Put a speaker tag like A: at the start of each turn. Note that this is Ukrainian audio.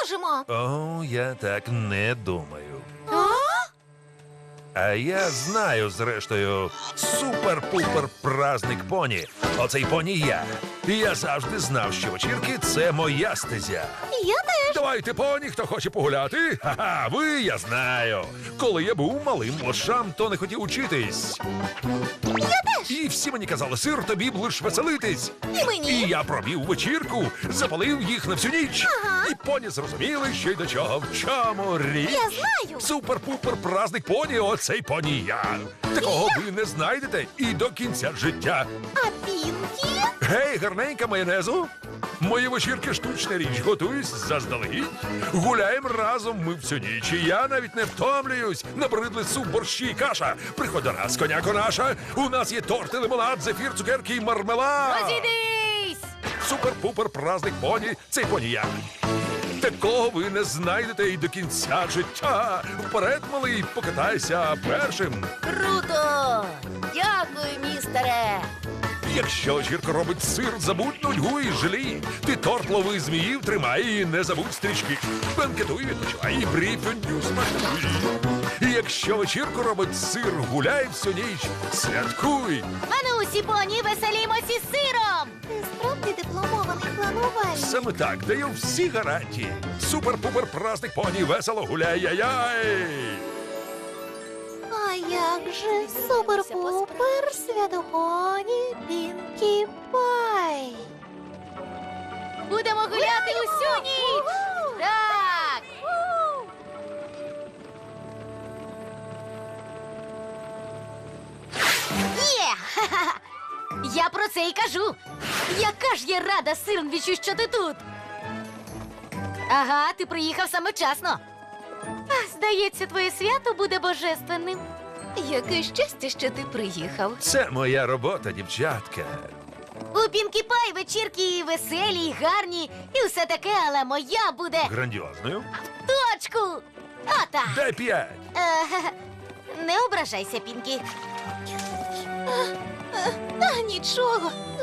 A: зможемо.
B: О, я так не думаю.
A: А?
B: А я знаю, зрештою, супер-пупер праздник поні. Оцей поні я. І я завжди знав, що вечірки – це моя стезя.
A: Я теж.
B: Давайте, поні, хто хоче погуляти? Ха-ха, ви, я знаю. Коли я був малим лошам, то не хотів учитись.
A: Я теж.
B: І всі мені казали, сир, тобі б лиш веселитись.
A: І мені.
B: І я провів вечірку, запалив їх на всю ніч.
A: Ага.
B: І поні зрозуміли, що й до чого, в чому річ.
A: Я знаю.
B: Супер-пупер праздник поні, оцей поні я. Такого ви не знайдете і до кінця життя.
A: А Пінкі?
B: Гей, гарненька майонезу. Мої вечірки штучна річ. Готуюсь заздалегідь. Гуляємо разом ми всю ніч. І я навіть не втомлююсь. Набридли суп, борщі і каша. Приходь до нас, коняко наша. У нас є торти, лимонад, зефір, цукерки і мармелад.
A: Розійдись!
B: Супер-пупер праздник поні. Цей поні я. Такого ви не знайдете і до кінця життя. Вперед, малий, покатайся першим.
A: Круто! Дякую, містере.
B: Якщо вечірка робить сир, забудь нудьгу і жалій. Ти торт лови зміїв, тримай і не забудь стрічки. Бенкетуй, відпочивай і брій фондю смакуй. І якщо вечірку робить сир, гуляй всю ніч, святкуй.
A: Ану, усі поні, веселімося з сиром! Ти справді дипломований планувальник.
B: Саме так даю всі гарантії. Супер-пупер праздник поні, весело гуляй, яй-яй!
A: А як же супер-пупер святопоні Пінкі Пай? Будемо гуляти усю ніч! Так! Є! Ха-ха-ха! Я про це і кажу! Яка ж я рада, Сирнвічу, що ти тут! Ага, ти приїхав саме вчасно. Здається, твоє свято буде божественним. Яке щастя, що ти приїхав.
B: Це моя робота, дівчатка.
A: У Пінкі Пай вечірки веселі, й гарні, і все таке, але моя буде
B: Грандіозною.
A: точку! Ота!
B: Дай 5.
A: Не ображайся, Пінкі. Нічого.